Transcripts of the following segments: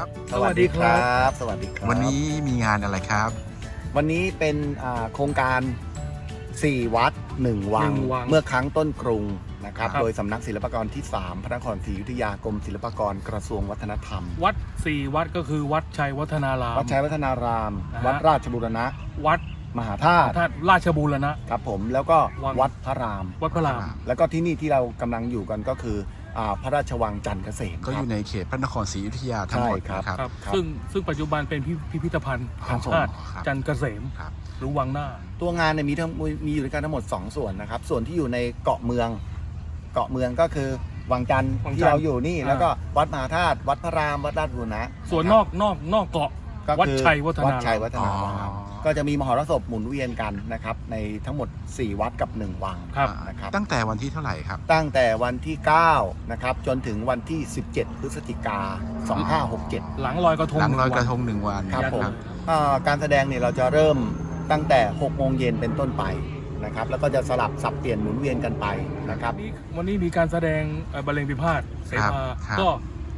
ครับสวัสดีครับสวัสดีครับวันนี้มีงานอะไรครับวันนี้เป็นโครงการ4วัด1วังเมื่อครั้งต้นกรุงนะครับโดยสำนักศิลปากรที่3พระนครศรีอยุธยากรมศิลปากรกระทรวงวัฒนธรรมวัด4วัดก็คือวัดชัยวัฒนารามวัดชัยวัฒนารามนะฮะวัดราชบูรณะวัดมหาธาตุราชบูรณะครับผมแล้วก็วังวัดพระรามวัดพระรามแล้วก็ที่นี่ที่เรากำลังอยู่กันก็คือพระราชวังจันทร์เกษมก็อยู่ในเขตพระนครศรีอยุธยาทั้งหมดใช่ครับนะครับครับซึ่งปัจจุบันเป็นพิพิธภัณฑ์ครัแห่บงชาติครับจันทร์เกษมครับหรือวังหน้าตัวงานเนี่ยมีอยู่ด้วยกันทั้งหมด2ส่วนนะครับส่วนที่อยู่ในเกาะเมืองก็คือวังจันทร์วังจันทร์ที่เราอยู่นี่แล้วก็วัดมหาธาตุวัดพระรามวัดราชบูรณะส่วนนอกเกาะก็วัดคือชัยวัฒนารามวัดชัยวัฒนารามอ๋อก็จะมีมหรสพหมุนเวียนกันนะครับในทั้งหมด4วัดกับ1วังครับนะครับตั้งแต่วันที่เท่าไหร่ครับตั้งแต่วันที่9นะครับจนถึงวันที่17พฤศจิกา2567 หลังลอยกระทงหลังลอยกระท 1 ง1 วันครับผมครับการแสดงเนี่ยเราจะเริ่มตั้งแต่6โมงเย็นเป็นต้นไปนะครับแล้วก็จะสลับสับเปลี่ยนหมุนเวียนกันไปนะครับวันนี้มีการแสดงบรรเลงพิพาทเสภาครับก็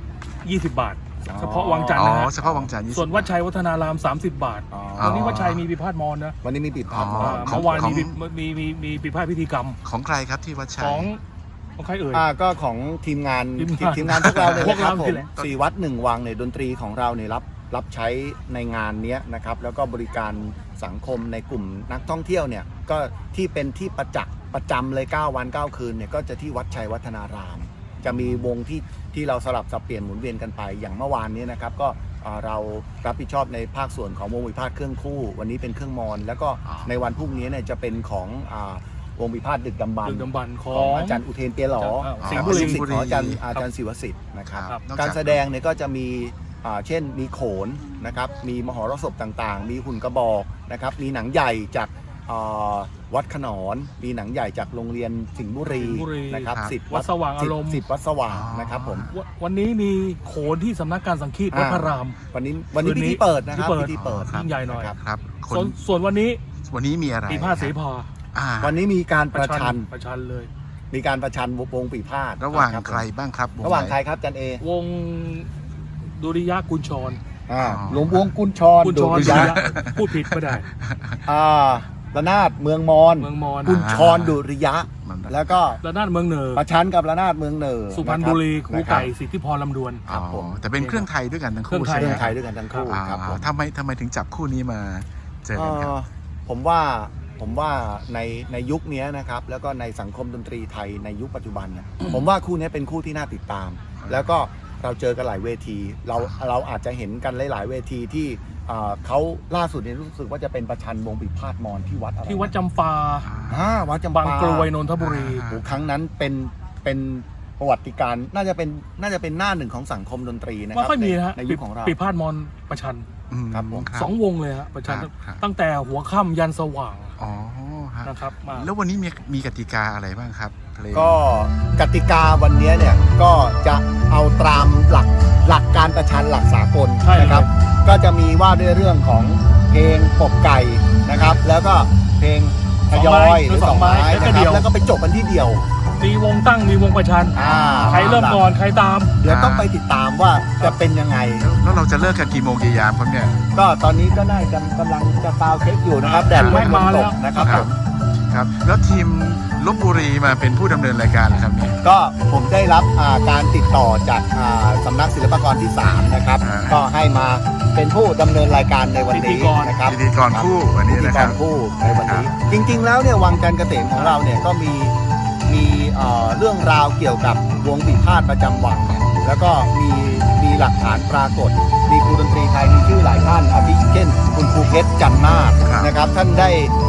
20 บาทอ๋อเฉพาะวังจันทอ๋ร์อนะฮะเฉพาะวังจันทร์20 ส่วนวัดชัยวัฒนาราม 30 บาทอ๋อวันนี้วัดชัยมีพิพาทมอนนะวันนี้มีปิดพาร์ทอ๋อมอของเมื่อวานของมีพิพาทพิธีกรรมของใครครับที่วัดชัยของใครเอ่ยก็ของทีมงานทีมงานพวกเราเนี่ยพวกนะครับเราผนี่มแหละ 4วัด1วังเนี่ยดนตรีของเราเนี่ยรับใช้ในงานเนี้ยนะครับแล้วก็บริการสังคมในกลุ่มนักท่องเที่ยวเนี่ยก็ที่เป็นที่ประจำเลย9วัน9คืนเนี่ยก็จะที่วัดชัยวัฒนาราม จะมีวงที่เราสลับสับเปลี่ยนหมุนเวียนกันไปอย่างเมื่อวานนี้นะครับก็เรารับผิดชอบในภาคส่วนของวงวิพากษ์เครื่องคู่ วันนี้เป็นเครื่องมอนแล้วก็ในวันพรุ่งนี้เนี่ยจะเป็นของวงวิพากษ์ดึกดำบรรดึพ์กดำบรรพ์ขอของงอาจารย์อุเทนเปียหลอสิงห์ครับบุรีลูกศิษย์ของอาจารย์ศิวสิทธิ์นะครับครับนอกจากการแสดงเนี่ยก็จะมีเช่นมีโขนนะครับมีมหรสพต่างๆ มีหุ่นกระบอกนะครับมีหนังใหญ่จากวัดขนอนมีหนังใหญ่จากโรงเรียนสิงห์บุรีสิงห์บุรีนะครับครับสิทธิ์วัดสว่างอารมณ์สิทธิ์วัดสว่างนะครับผมวันนี้มีโขนที่สำนักการสังคีตวัดพระรามวันนี้พิธีเปิดนะครับพิธีเปิดยิ่งใหญ่หน่อยครับครับคส่วนวันนี้วันนี้มีอะไรปีพาทเสภาอ่าวันนี้มีการประชันประชันเลยมีการประชันวงปีพาทระหว่างนะบใครบ้างครับระหว่างไนใครครับจันเอวงดุริยะกุญชรหลวงวงกุญชรกุญชรดุริยะพูดผิดไม่ได้ระนาดเมืองมอนเมืองมอญกุญชรดุริยะมันแล้วก็ระนาดเมืองเหนือประชันกับระนาดเมืองเหนือสุพรรณบุรีครูนะบไก่สิทธิพรลำดวนอ๋อแต่เป็นเครื่องไทยด้วยกันทั้งเครื่คู่องไทยใช่เรื่ไหอมงไทยด้วยกันทั้งคู่ครับผมทำไมถึงจับคู่นี้มาเจอกันครับผมว่าในยุคนี้นะครับแล้วก็ในสังคมดนตรีไทยในยุคปัจจุบันเนี่ยผมว่าคู่นี้เป็นคู่ที่น่าติดตาม แล้วก็เราเจอกันหลายเวทีเราอาจจะเห็นกันหลายๆเวทีที่เขาล่าสุดนี้รู้สึกว่าจะเป็นประชันวงปีพาทมอนที่วัดอะไรที่วัดจำปาวัดจำปาบางกรวยนนทบุรีโอ้โหครั้งนั้นเป็นประวัติการณ์น่าจะเป็นหน้าหนึ่งของสังคมดนตรีนะคไม่รับค่อยมีนะฮะในยุคของเราปีพาทมอนประชันครับผม 2 วงเลยฮะประชันครับตั้งแต่หัวค่ำยันสว่างอ๋อฮะนะครับมาแล้ววันนี้มีกติกาอะไรบ้างครับเพลงก็กติกาวันนี้เนี่ยก็จะเอาตามหลักการประชันหลักสากลใช่นะครับ ก็จะมีว่าด้วยเรื่องของเพลงปกไก่นะครับ แล้วก็เพลงทยอยหรือสองไม้แล้วก็นะคเดี่รัยวบแล้วก็ไปจบกันที่เดียวมีวงตั้งมีวงประชัน ใครเริ่มก่อนใครตามเดี๋ยวต้องไปติดตามว่าจะเป็นยังไงแล้วเราจะเลิกกันกี่โมงกี่ยามครับเนี่ยก็ตอนนี้ก็ได้กำลังจะซาวเช็คอยู่นะครับแดดไม่มาแล้วตกนะครับผมครับแล้วทีมลพบุรีมาเป็นผู้ดำเนินรายการเหรอครับเนี่ยก็ผมได้รับการติดต่อจากสำนักศิลปากรที่ 3 นะครับ ก็ให้มาเป็นผู้ดำเนินรายการในวันพิธีนี้กรนะครับพิธีกรคู่วันนี้พิธีนะกครับรคู่ในวันนี้ จริงๆแล้วเนี่ยวังจันทร์เกษมของเราเนี่ยก็มีเรื่องราวเกี่ยวกับวงปีพาทประจำวังเนี่ยแล้วก็มีหลักฐานปรากฏ มีครูดนตรีไทยมีชื่อหลายท่านอาทิเช่นคุณครูเพชรจันนาถนะครับท่านได้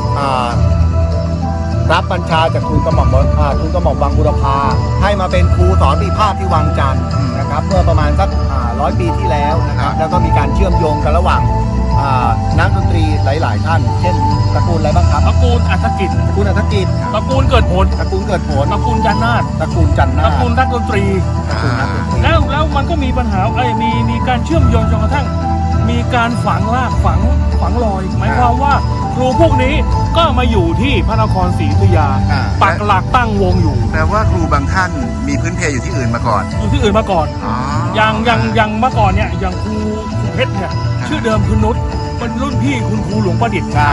รับบัญชาจากทูลกระหม่อมวังบุรพาให้มาเป็นครูสอนปีพาทที่วังจันทร์นะครับเมื่อประมาณสัก100 ปีที่แล้วนะครับแล้วก็มีการเชื่อมโยงกันระหว่างนักดนตรีหลายๆท่าน เช่นตระกูลอะไรบ้างครับตระกูลอัฐกิจตระกูลอัฐกิจตระกูลเกิดผลตระกูลเกิดผลตระกูลจันนาถตระกูลจันตนาระถกูลนักดนตรีตระกูลนักดนตรีแล้วมันก็มีปัญหามีการเชื่อมโยงจนกระทั่งมีการฝังรากฝังรอย หมายความว่าครูพวกนี้ก็มาอยู่ที่พระนครศรีอยุธยา ปักหลักตั้งวงอยู่แปลว่าครูบางท่านมีพื้นเพอยู่ที่อื่นมาก่อนอยู่ที่อื่นมาก่อนอ๋ออย่างเมื่อก่อนเนี่ยอย่างครูเพชรเนี่ยชื่อเดิมคือนุชเป็นรุ่นพี่คุณครูหลวงประดิษฐ์ใช่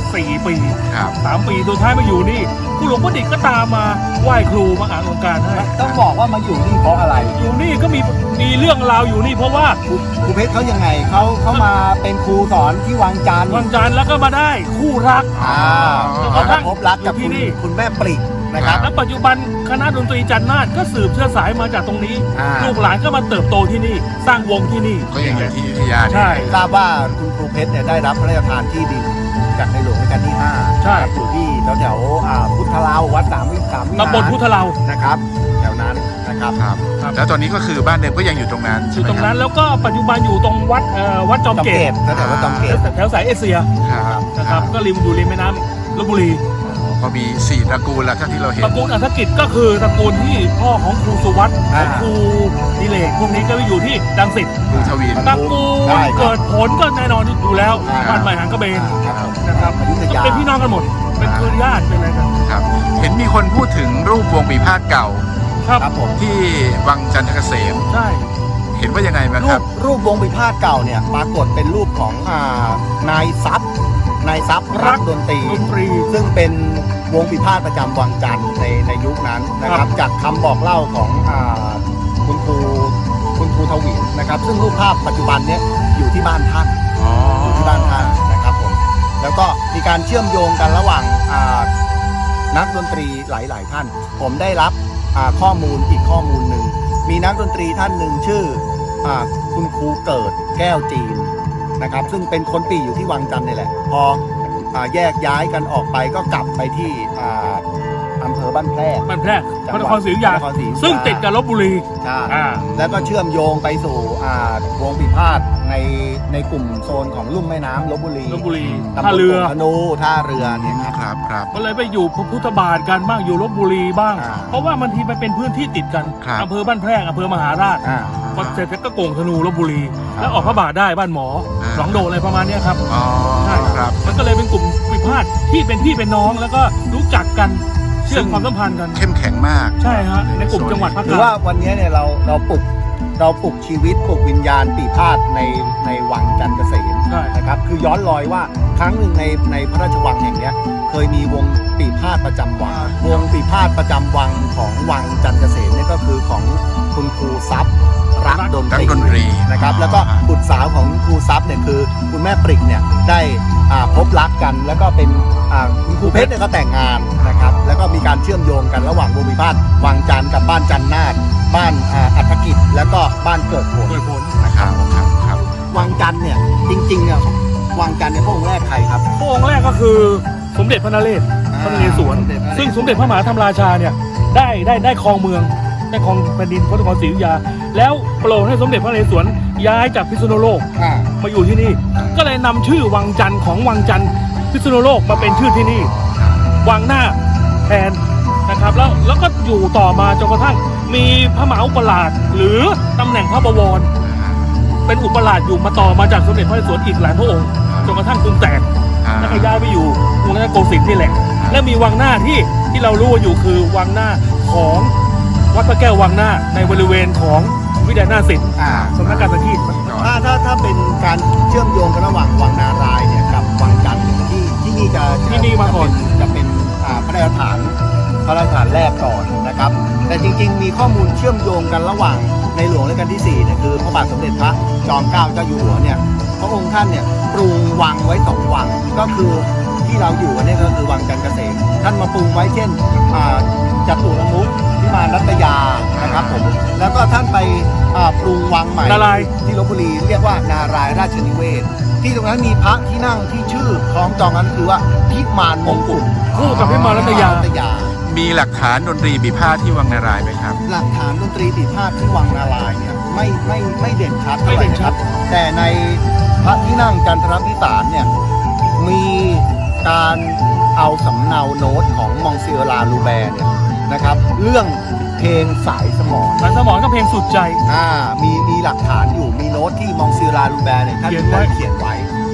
4 ปีครับ 3 ปีสุดท้ายมาอยู่นี่ครูหลวงประดิษฐ์ก็ตามมาไหว้ครูมาอ่านองค์การให้ต้องบอกว่ามาอยู่นี่เพราะอะไรอยู่นี่ก็มีเรื่องราวอยู่นี่เพราะว่าครูเพชรเขายังไงเขามาเป็นครูสอนที่วังจันทร์วันจันทร์แล้วก็มาได้คู่รักเขาได้พบรักกับอยู่ที่นี่คุณแม่ปริกนะครับและปัจจุบันคณะดนตรีจันทร์นาฏก็สืบเชื้อสายมาจากตรงนี้ ลูกหลานก็มาเติบโตที่นี่ สร้างวงที่นี่ก็ยังอยู่ที่อยุธยาใช่ทราบว่าคุณครูเพชรเนี่ยได้รับพระราชทานที่ดินจากในหลวงรัชกาลที่5 ใช่อยู่ที่แถวๆพุทธลาววัด3 วิหารตำบลพุทธเรานะครับแถวนั้นนะครับครับครับแล้วตอนนี้ก็คือบ้านเดิมก็ยังอยู่ตรงนั้นอใช่ยู่ไหมตรงคนั้รับนแล้วก็ปัจจุบันอยู่ตรงวัดจอมจอมเกเกตตแถวๆจอมเกตแถวสายเอเชียครับนะครับก็ริมอยู่ริมแม่น้ำลพบุรีก็มี4ตระกูลแล้วเท่าที่เราเห็นตระกูลอัฐกิจก็คือตระกูลที่พ่อของครูสุวัตของครูดิเลกพวกนี้ก็ไปอยู่ที่ดังสิทธิ์ครูทวินตระกูลได้ครับเกิดผลก็แน่นอนอยู่แล้วครับบ้านใหม่หางกระเบนครับผมนะครับอยุธยาเป็นพี่น้องกันหมด เป็นเครือญาติเป็นอะไรกันครับ เห็นมีคนพูดถึงรูปวงปีพาทย์เก่าครับครับผมที่วังจันทเกษมใช่เห็นว่ายังไงบ้างครับรูปวงปีพาทย์เก่าเนี่ยปรากฏเป็นรูปของนายทรัพย์รักดนตรีดนตรีซึ่งเป็นวงปีพาทย์ประจำวังจันทร์ในยุคนั้นนะครับ จากคำบอกเล่าของคุณครูทวินนะครับ ซึ่งรูปภาพปัจจุบันเนี้ยอยู่ที่บ้านท่าน อยู่ที่บ้านท่านนะครับผมแล้วก็มีการเชื่อมโยงกันระหว่างนักดนตรีหลาย ๆ ท่าน ผมได้รับข้อมูลอีกข้อมูลหนึ่งมีนักดนตรีท่านหนึ่งชื่อคุณครูเกิดแก้วจีนนะครับซึ่งเป็นคนปีอยู่ที่วังจันทร์นี่แหละพอแยกย้ายกันออกไปก็กลับไปที่อำเภอบ้านแพรกบ้านแพรกพระนครศรีอยุธยาพระนครศรีอยุธยาซึ่งติดกับลบบุรีใช่อ่าแล้วก็เชื่อมโยงไปสู่วงปีพาทย์ในกลุ่มโซนของลุ่มแม่น้ำลบบุรีลบบุรีตำบลท่าเรือธนูท่าเรือเนี่ยครับครับครับก็เลยไปอยู่พระพุทธบาทกันบ้างอยู่ลบบุรีบ้างอ่าเพราะว่ามันทีมันเป็นพื้นที่ติดกันครับอำเภอบ้านแพรกอำเภอมหาราชอ่าพอเสร็จแล้วก็โก่งธนูลบบุรี แล้วออกพระบาทได้บ้านหมออ่าหนองโดอะไรประมาณเนี้ยครับอ๋อใช่ครับมันก็เลยเป็นกลุ่มวิพาทที่เป็นพี่เป็นน้องแล้วก็รู้จักกันเชื่อมความสัมพันธ์กันเข้มแข็งมากใช่ฮะในกลุ่มจังหวัดภาคหกรือลาว่าง วันนี้เนี่ยเราปลุกชีวิตปลุกวิญญาณปีพาทย์ในวังจันทร์เกษมใช่นะครับคือย้อนรอยว่าครั้งหนึ่งในพระราชวังแห่งเนี้ยเคยมีวงปีพาทย์ประจำวังวงปีพาทย์ประจำวังของวังจันทร์เกษมเนี่ยก็คือของคุณครูทรัพย์รักดนรักดนตรีนะครับแล้วก็บุตรสาวของครูทรัพย์เนี่ยคือคุณแม่ปริกเนี่ยได้พบรักกันแล้วก็เป็นคุณครูเพชรเนี่ยก็แต่งงานนะครับแล้วก็มีการเชื่อมโยงกันระหว่างวงปีพาทย์วังจันทร์กับบ้านจันทร์นาฏบ้านอัฐกิจแล้วก็บ้านเกิดผลโดยผลนะครับครับครับวังจันทร์เนี่ยจริงๆเนี่ยวังจันทร์เนี่ยพระองค์แรกใครครับพระองค์แรกก็คือสมเด็จพระนเรศพระนเรศวร ซึ่งสมเด็จพระมหาธรรมราชาเนี่ยได้ครองเมืองได้ครองแผ่นดินพระนครศรีอยุธยา แล้วโปรดให้สมเด็จพระนเรศวรย้ายจากพิษณุโลกมาอยู่ที่นี่ ก็เลยนำชื่อวังจันทร์ของวังจันทร์พิษณุโลกมาเป็นชื่อที่นี่ วังหน้าแทนนะครับแล้วก็อยู่ต่อมาจนกระทั่งมีพระมหาอุปราชหรือตำแหน่งพระบวร เป็นอุปราชอยู่มาต่อมาจากสมเด็จพระนเรศวรอีกหลายพระองค์จนกระทั่งกรุงแตก แล้วก็ย้ายไปอยู่กรุงรัตนโกสินทร์นี่แหละ และมีวังหน้าที่เรารู้อยู่คือวังหน้าของวัดพระแก้ววังหน้าในบริเวณของวิทยานาศิลป์สำนักการสังคีตถ้าเป็นการเชื่อมโยงกันระหว่างวังนารายณ์เนี่ยกับวังจันทร์เนี่ยที่นี่จะที่นี่มาก่อนจะเป็นพระราชฐานแรกก่อนนะครับแต่จริงๆมีข้อมูลเชื่อมโยงกันระหว่างในหลวงรัชกาลที่4เนี่ยคือพระบาทสมเด็จพระจอมเกล้าเจ้าอยู่หัวเนี่ยพระองค์ท่านเนี่ยปรุงวังไว้2วังก็คือที่เราอยู่กันเนี่ยก็คือวังจันทร์เกษมท่านมาปรุงไว้เช่นจตุรมุขพิมานรัตยานะครับผมแล้วก็ท่านไปปรุงวังใหม่นารายณ์ที่ลพบุรีเรียกว่านารายณ์ราชนิเวศที่ตรงนั้นมีพระที่นั่งที่ชื่อคล้องจองนั้นคือว่าพิมานมงกุฎคู่กับพิมานรัตยามีหลักฐานดนตรีปีพาทย์ที่วังนารายณ์ไหมครับหลักฐานดนตรีปีพาทย์ที่วังนารายณ์เนี่ยไม่เด่นชัดไม่เท่าไหเด่ร่นนะชัครัดบแต่ในพระที่นั่งจันทรพิสารเนี่ยมีการเอาสำเนาโน้ตของมองซิเอลาลูแบร์เนี่ยนะครับเรื่องเพลงสายสมองสายสมองก็เพลงสุดใจมีหลักฐานอยู่มีโน้ตที่มองซิเอลาลูแบร์เนี่ยท่านเขียนไว้ได้เขียนไว้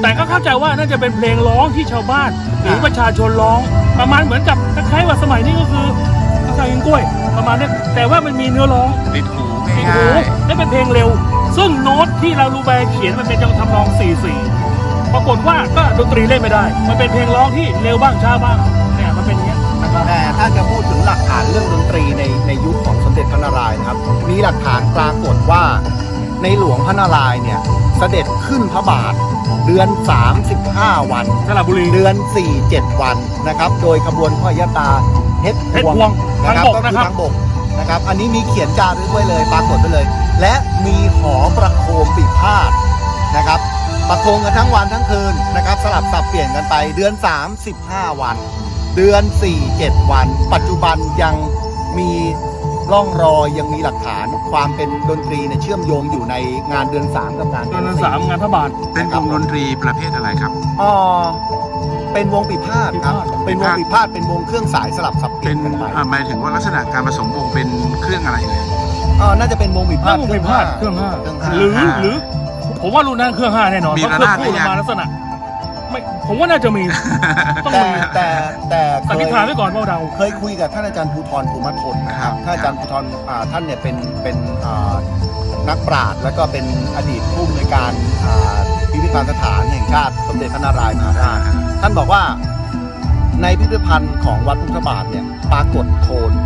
แต่ก็เข้าใจว่าน่าจะเป็นเพลงร้องที่ชาวบ้านหรือประชาชนร้องประมาณเหมือนกับคล้ายๆว่าสมัยนี้ก็คือภาษาอิงกล้วยประมาณนี้แต่ว่ามันมีเนื้อร้องติดหูติดง่าหูยและเป็นเพลงเร็ว ซึ่งโน้ตที่เรารูแบร์เขียนมันเป็นจังทำนอง 4/4 ปรากฏว่าก็ดนตรีเล่นไม่ได้ มันเป็นเพลงร้องที่เร็วบ้างช้าบ้างเนี่ยมันเป็นอย่างเงี้ยนะครับแต่ถ้าจะพูดถึงหลักฐานเรื่องดนตรีในยุคของสมเด็จพระนารายณ์นะครับ มีหลักฐานปรากฏว่าในหลวงพระนารายณ์เนี่ยเสด็จขึ้นพระบาทเดือน 35 วันสระบุรีเดือน 4-7 วันนะครับ โดยขบวนพระยตาเพชรเพชรพพววงงนะครับทางบกก็คือนะครับทางบกนะครับ อันนี้มีเขียนจารึกไว้เลยปรากฏไว้เลย และมีหอประโคมปีพาดนะครับ ประโคมกันทั้งวันทั้งคืนนะครับสลับสับเปลี่ยนกันไปเดือน 35 วัน เดือน 4-7 วัน ปัจจุบันยังมีร่องรอยยังมีหลักฐานความเป็นดนตรีเนี่ยเชื่อมโยงอยู่ในงานเดือน 3 กับงานเดืเดืออน นสาม 4 งานพระบาทเป็นวงดนตรีประเภทอะไรครับเป็นวงปีพาดครับปีพาดเป็นวงปีพาดเป็นวงเครื่องสายสลับสับเปลี่เป็ยนนกันไปหมายถึงว่าลักษณะการผสมวงเป็นเครื่องอะไรเลยน่าจะเป็นวงปีพาถ้าดวงพิพาทเครื่องห้าเครื่องห้าหรือผมว่ารุ่นนั้นเครื่องห้าแน่นอนมีเพราะเครื่องระนาดคู่หรือยังมาลักษณะไม่ผมว่าน่าจะมีต้องแต่มีแต่สันนิษฐานไว้ก่อนว่าเราเคยคุยกับท่านอาจารย์ภูธรภูมิทนนะครับท่านอาจารย์ภูธรท่านเนี่ยเป็นนักปราชญ์แล้วก็เป็นอดีตผู้อำนวยการพิพิธภัณฑ์สถานแห่งชาติสมเด็จพระนารายณ์มหาราช ท่านบอกว่าในพิพิธภัณฑ์ของวัดพุทธบาทเนี่ยปรากฏโทน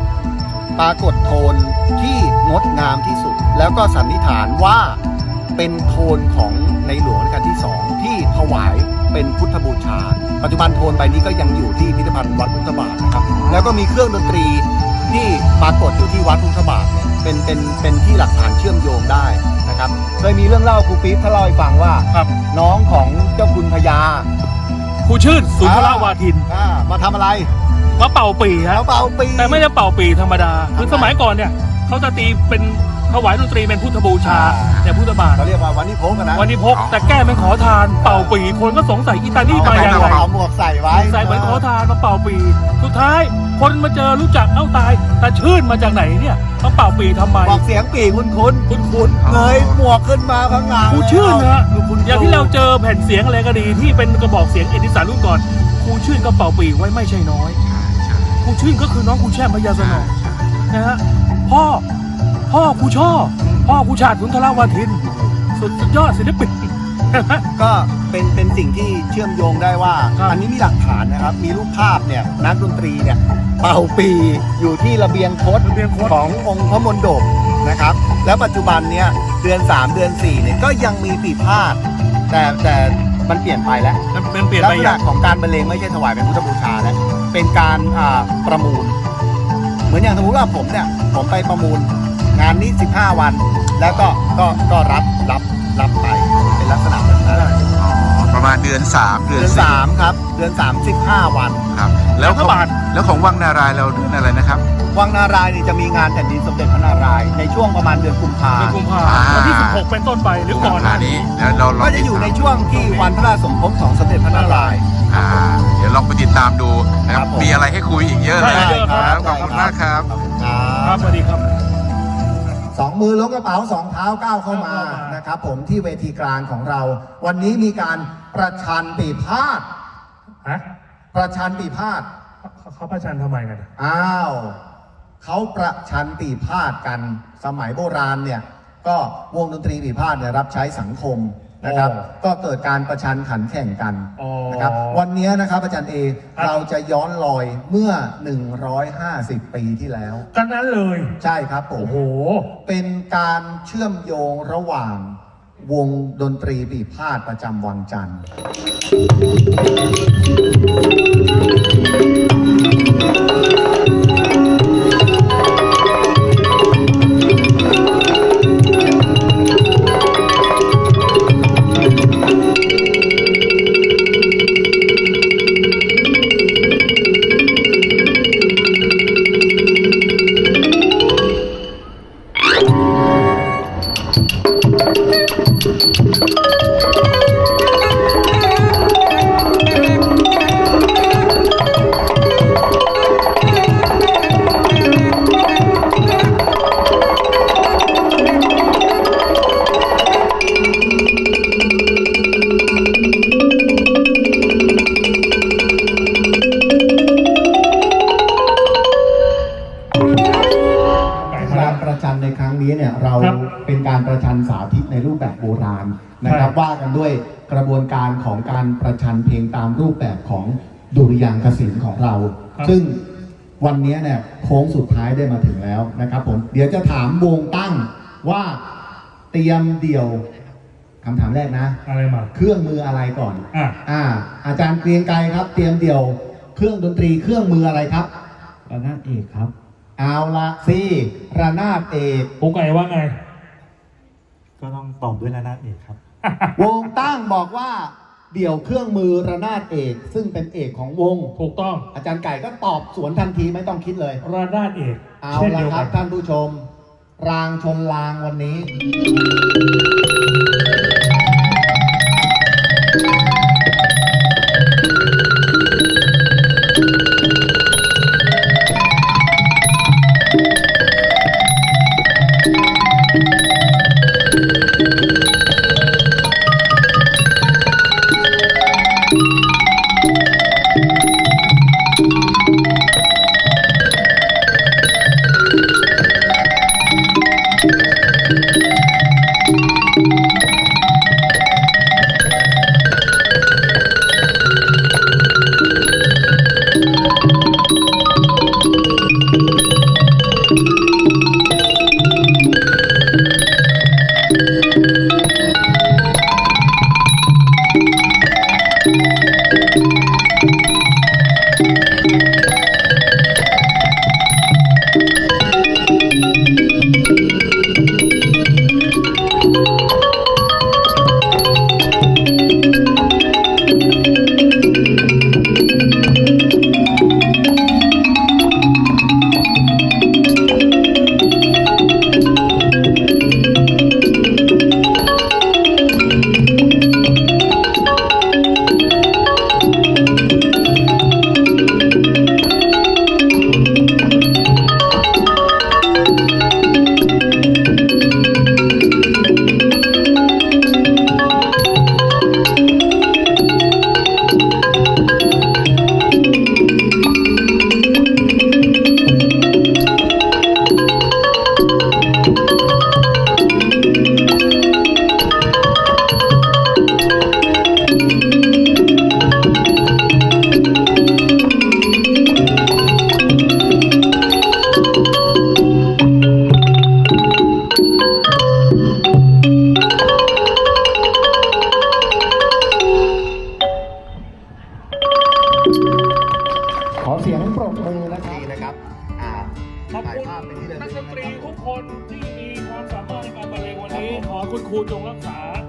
ที่งดงามที่สุด แล้วก็สันนิษฐานว่าเป็นโทนของในหลวงรัชกาลที่ 2 ที่ถวายเป็นพุทธบูชา ปัจจุบันโทนใบนี้ก็ยังอยู่ที่พิพิธภัณฑ์วัดพุทธบาทนะครับ แล้วก็มีเครื่องดนตรีที่ปรากฏอยู่ที่วัดพุทธบาทเนี่ยเป็นที่หลักฐานเชื่อมโยงได้นะครับเคยมีเรื่องเล่าครูปี๊บถ้าเล่าให้ฟังว่าครับน้องของเจ้าคุณพญาครูชื่นสุนทรวาทินมาทำอะไรมาเป่าปีฮะเขาเป่าปีแต่ไม่ได้เป่าปีธรรมดา คือสมัยก่อนเนี่ยเขาจะตีเป็นถวายดนตรีเป็นพุทธบูชาแต่พุทธบาทเขาเรียกว่าวันนี้พกกันนะวันนี้พกแต่แก้เป็นขอทานเป่าปีคนก็สงสัยอีตานี่มาอย่างไรเอาหมวกใส่ไว้ใส่เหมือนขอทานมาเป่าปี สุดท้ายคนมาเจอรู้จักเอ้าตายแต่ชื่นมาจากไหนเนี่ยมาเป่าปีทำไมบอกเสียงปีคุ้นคุ้นๆเงยหมวกขึ้นมาพังงาๆครูชื่นนะอย่างที่เราเจอแผ่นเสียงอะไรก็ดีที่เป็นกระบอกเสียงเอดิสันรุ่นก่อนครูชื่นก็เป่าปีไว้ไม่ใช่น้อยใช่ครูชื่นก็คือน้องครูแช่มพญาสนใช่องใช่นะฮะพ่อครูช่อพ่อครูชาติสุนทรวาทินสุดยอดศิลปินก็เป็นสิ่งที่เชื่อมโยงได้ว่าครับอันนี้มีหลักฐานนะครับ มีรูปภาพเนี่ยนักดนตรีเนี่ยเป่าปีอยู่ที่ระเบียงคดขององค์พระมนดบนะครับ แล้วปัจจุบันเนี่ยเดือน 3 เดือน 4เนี่ยก็ยังมีปีพาดแต่มันเปลี่ยนไปแล้วมันเปลี่ยนลักไปษอณะย่างของการบรรเลงไม่ใช่ถวายเป็นพุทธบูชาแล้วเป็นการประมูล เหมือนอย่างสมมติว่าผมเนี่ยผมไปประมูลงานนี้ 15 วัน แล้วก็รับไปเป็นลักษณะแบบนั้นอ๋อประมาณเดือน 3 เดืเดืออน น 4 3ครับเดือน 3 15 วันครับ แล้วพระบาทแล้วของวังนารายณ์เราเดือนอะไรนะครับวังนารายณ์นี่จะมีงานแผ่นดินสมเด็จพระนารายณ์ในช่วงประมาณเดือนกุมภาในกุมภาอ่าวันที่ 16 เป็นต้นไปหรือก่อนหน้านี้เดี๋ยวเราลองก็จะอยู่ในช่วงที่วันพระราชสมภพของสมเด็จพระนารายณ์เดี๋ยวลองไปติดตามดูนะคครัรับบผมมีอะไรให้คุยอีกเยอะเลยใช่ครับขอบคุณมากครับครับสวัสดีครับสองมือล้วงกระเป๋าสองเท้าก้าวเข้ามานะครับผมที่เวทีกลางของเรา วันนี้มีการประชันปีพาดฮะประชันปีพาดเขาประชันทำไมกันอ้าวเขาประชันปีพาดกันสมัยโบราณเนี่ยก็วงดนตรีปีพาดเนี่ยรับใช้สังคมนะครับ ก็เกิดการประชันขันแข่งกันนะครับวันนี้นะครับอาจารย์เอเราจะย้อนรอยเมื่อ 150 ปีที่แล้วกันนั้นเลยใช่ครับผมโอ้โหเป็นการเชื่อมโยงระหว่างวงดนตรีปีพาดประจำวังจันทร์ประชันสาธิตในรูปแบบโบราณนะครับว่ากันด้วยกระบวนการของการประชันเพลงตามรูปแบบของดุริยางคศิลป์ของเรา ซึ่งวันนี้เนี่ยโค้งสุดท้ายได้มาถึงแล้วนะครับผมเดี๋ยวจะถามวงตั้งว่าเตรียมเดี่ยวคำถามแรกนะอะไรมาเครื่องมืออะไรก่อนอ่ะอาจารย์เกรียงไกรครับ เตรียมเดี่ยวเครื่องดนตรีเครื่องมืออะไรครับระนาดเอกครับเอาละสิระนาดเอกโอไก่ว่าไงก็ต้องตอบด้วยระนาดเอกครับวงตั้งบอกว่าเดี่ยวเครื่องมือระนาดเอก ซึ่งเป็นเอกของวงถูกต้องอาจารย์ไก่ก็ตอบสวนทันทีไม่ต้องคิดเลยระนาดเอกเอาเช่นละเดียวคกัรันบท่านผู้ชม รางชนรางวันนี้ ขอเสียงปรบมือนะครับขอบถ่ายคุณภาพไปที่ระนัลึกกดนตรีนะครับทุกคนที่มีความสามารถในการบรรเลงวันนี้ ขอคุณครูจงรักษา